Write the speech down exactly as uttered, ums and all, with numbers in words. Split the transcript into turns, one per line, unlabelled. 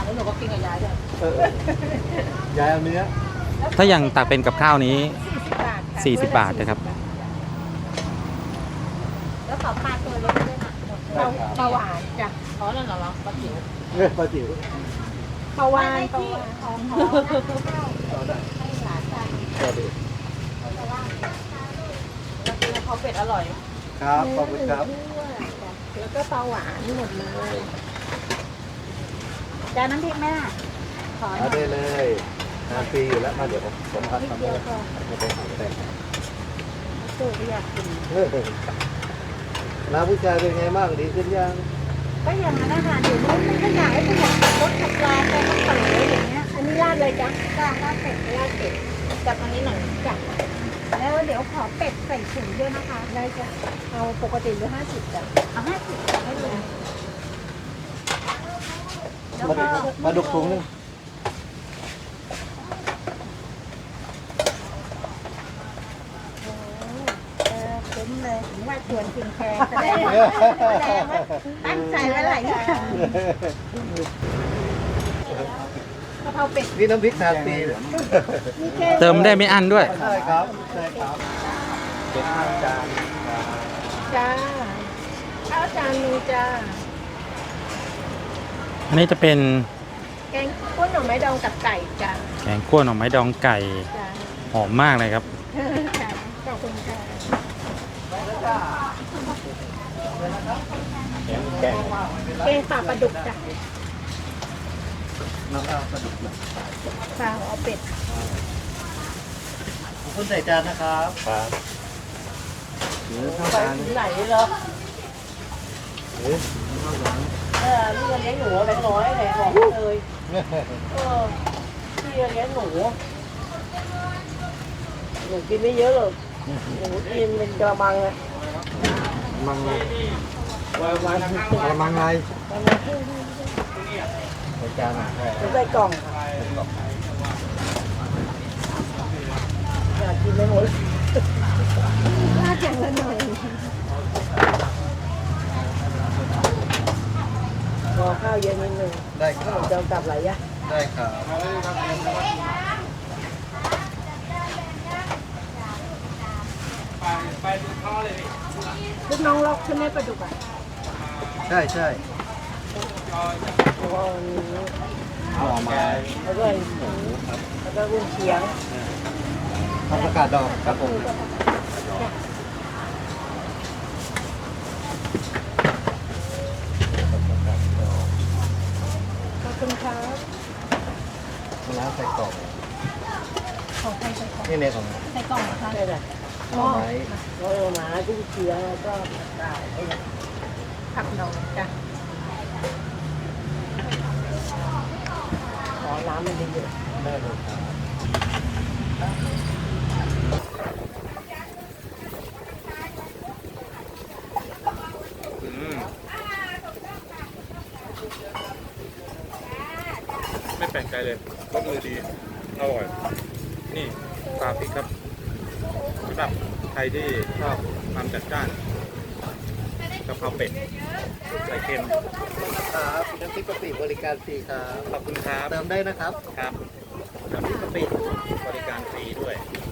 แล้วหนูก็กินกับยายด้วย
เออยายเอาเนื้อ
ถ้าอย่างตักเป็นกับข้าวนี้
สี่สิบบาท
สี่สิบบาทนะครับ
แล้วขอปลาตัวเล็กด้วยค่ะปลาหวานจ้ะอ๋อนั่นเหรอปลาจิ๋ว
เนื้อปลาจิ๋ว
ปลาวานปลาวานของหอม
เอาได้
ให้หลานจ้ะ
ก็ดี
แล้วกินข้าวเป็ดอร่อย
ครับขอบคุณครับ
แล้วก็ปลาหวานหมดเลยจานน้ำพริกแม่ขอหน่
เอา
อย
ได้เลยทานฟรีอยู่แล้วมาเดี๋ยวผมผมพักทำให้ไม่ต้องหาแต่ง
ตู้ก็อยากกิน
น้าผู้ชายเป็นไงบ้างดีขึ้นยัง
ก็อย่างนั้นนะคะเดี๋ยวนี้มันก็อยากให้ผู้ใหญ่ขับรถขับลาไปขับเต๋ออย่างเงี้ยอันนี้ราดเลยจ้ะจ้ะราดเป็ดราดเป็ดจับอันนี้หน่อยจ้ะแล้วเดี๋ยวขอเป็ดใส่ถุงด้วยนะคะได้จ้ะเอาปกติหรือห้าสิบจ้ะเอาห้าสิบจ้ะให้เลยแล้วก็
มาดุกถุงนึง
คุ้มเลยถึงว่าชวนกินแพงแสดงว่าตั้งใจไว้หลายอย่างกะเพราเป็ด
นี่น้ำพริกทานฟรี
เติมได้ไม่อั้นด้วย
ใช่ครับใช่ครับเป็นข้าวจาน
จ้าข้าวจานนึงจ้า
อันนี้จะเป็น
แกงข้นหน่อไม้ดองกับไก่จ้า
แกงคั่วหน่อไม้ดองไก่หอมมากเลยครับ
ขอบคุณค่ะ
แกง
แกงปลาปลาดุกจ้ะ
น้ำเอาปลาดุกนะ
ปลาเอาเป็ด
คุณใส่จานนะครับครับหรือข้าวจาน
ไหนเหรอ
หรือข้าวจาน
เออนี่เลี้ยงหนูแบงค์ร้อยแหละบอกเลยเออที่เลี้ยงหนูหนูกินไม่เยอะหรอกหนูกินเป็นกระมังเลย
มังไงมังไงใส่จานอ่ะ
ใส่กล่องอยากกินไม่หมดลาดอย่างละหน่อยรอข้าวเย็นนิดนึง
ได้ครับ
จะกลับไหลยะ
ได้ครับ
ไปดูท่อเลยลูกน้องล็อกใช่ไหมปลาดุกอ่ะ
ใช่ใช่หน่อไม้
แล้วก็หมูครับแล้วก็กุ้งเชียง
ทำประกาศดอกครับผม
ขอบคุณครับ
มะนาวใส่กล่อง
ของใครใส่กล่อง
นี่เนี่ยของ
ใส่กล่องนะคะใช่เลย
หน่อไม้
หน่อไม้กุ้งเชียงแล้วก็ผักหน่อจ้ะขอน้ำมันเยอะ
ๆได้เลยครับ
ไม่แปลกใจเลยก็คือดีอร่อยนี่ปลาพริกครับสำหรับใครที่ชอบความจัดจ้านกะเพราเป็ดใส่เค็ม
ครับน้ำพริกกะปิบริการฟรีครับ
ขอบคุณครับ
เติมได้นะครับ
ครับน้ำพริกกะปิบริการฟรีด้วย